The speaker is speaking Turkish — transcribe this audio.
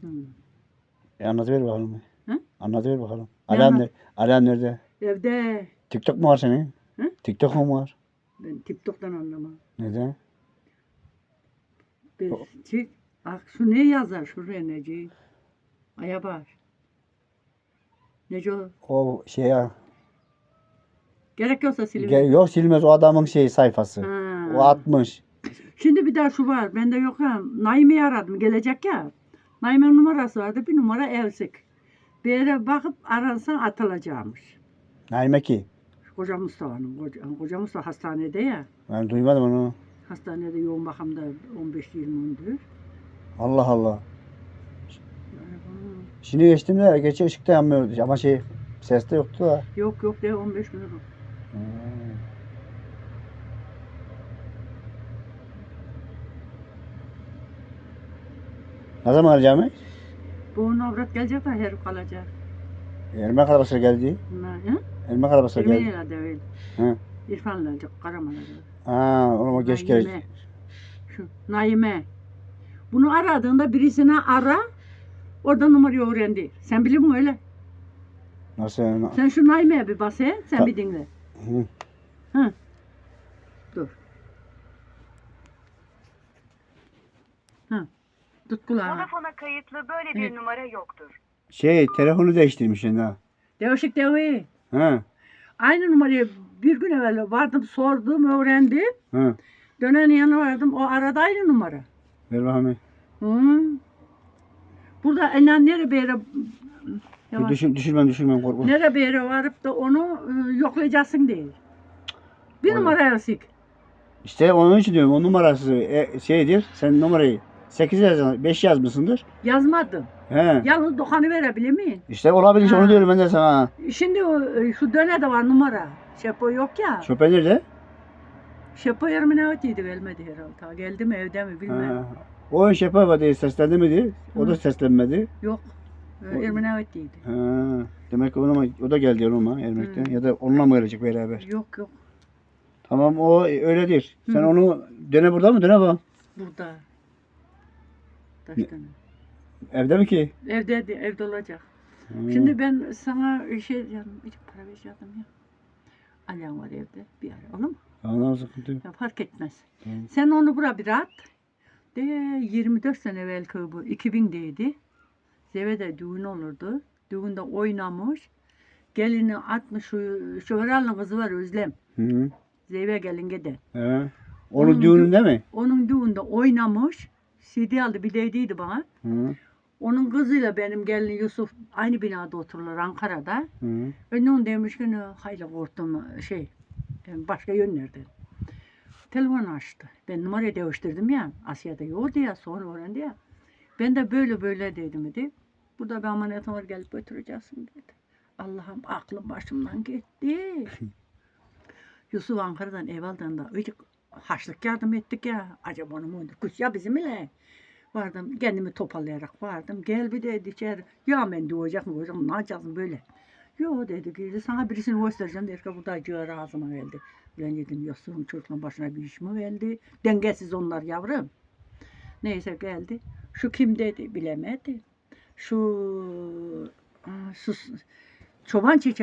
Anlatıver bakalım. Hı? Anlatıver bakalım. Ne Alan nerede? Evde. TikTok mu var senin? Hı? TikTok mu var? Ben TikTok'tan anlamam. Neden? Bak şu ne yazar şuraya Neci? Aya bak. Neci o? O şey ya. Gerek yoksa siliver. Yok silmez o adamın sayfası. Ha. O atmış. Şimdi bir daha şu var. Bende yok ha. Naime'yi aradım. Gelecek ya. Naime'nin numarası vardı. Bir numara eksik. Bir yere bakıp aransan atılacakmış. Naime ki. Koca Mustafa'nın. Koca Mustafa hastanede ya. Ben duymadım onu. Hastanede yoğun bakımda 15-20 gündür. Allah Allah. Şimdi geçtim de geçe ışıkta yanmıyordu ama ses de yoktu da. Yok de 15 gün oldu. Ne zaman alacağımı? Bu avrat gelecek de herif kalacak. Ermek arabası geldi. Ermek arabası geldi. Ermeniyle de öyle. Hı. İrfan'la Karaman'a. O geç gelecek. Şu Naime. Bunu aradığında birisine ara. Orada numarayı öğrendi. Sen biliyor musun öyle? Nasıl? Sen şu Naime'ye bir bas he. Sen bir dinle. Hı. Dur. Hı. Tut kulağını. Vodafona kayıtlı böyle bir numara yoktur. Telefonu değiştirmiş şimdi ha. Değişik değil. Hı. Aynı numarayı bir gün evvel vardım sordum öğrendim. Hı. Dönenin yanına vardım o arada aynı numara. Ver bakalım. Hı. Burada nereye bir yere Düşürmem korkma. nereye bir yere varıp da onu yoklayacaksın değil. Bir numara eksik. İşte onun için diyorum o numarası şeydir. Sen numarayı 8 5 yazmışsındır. Yazmadım. He. Yalnız dokanı verebilir miyim? İşte olabilir onu diyorum ben de sana. Şimdi şu döne var numara. Şepo yok ya. Şoför nerede? Şepo yarım ne öteydi vermedi herhalde. Ta geldi mi evde mi bilmem. O şoför vardı seslendi miydi? O da seslenmedi. Yok. Yarım ne öteydi. Demek ki o da geldi yanıma Ermek'ten. Ya da onunla mı gelecek beraber? Yok. Tamam o öyledir. Sen onu döne burada mı? Döne bak. Burada. Taştan. Evde mi ki? Evde olacak. Şimdi ben sana şey diyeceğim. Bir para vereceğim ya. Alan var evde. Bir ara. Olur mu? Anam sıkıntı yok. Ya fark etmez. Sen onu buraya bir at. De 24 sene evvelki bu. 2000'deydi. Zeve'de düğün olurdu. Düğünde oynamış. Gelini atmış şu herhalde kızı var Özlem. Hı. Zeyve gelin gide. Onun düğününde mi? Onun düğünde oynamış. CD aldı bir dediydi bana. Onun kızıyla benim gelin Yusuf aynı binada otururlar Ankara'da. Onun demiş ki hayli korktum başka yönlerden. Telefon açtı. Ben numarayı değiştirdim ya. Asya'da yoktu ya sonra öğrendi ya. Ben de böyle dedim dedi. Burada bir ameliyatım var gelip götüreceksin dedi. Allah'ım aklım başımdan gitti. Yusuf Ankara'dan evvelden de haçlık yardım ettik ya. Acaba onu mu kız ya bizim ile. Vardım kendimi toparlayarak vardım. Gel bir dedi içeri. Ya ben doğacak mı ne yapacaksın böyle. Yo dedi ki sana birisini göstereceğim. Der ki burada ciğer ağzıma geldi. Ben dedim Yusuf'un çocuğun başına bir iş mi geldi. Dengesiz onlar yavrum. Neyse geldi. Şu kim dedi bilemedi. Şu çoban çiçeği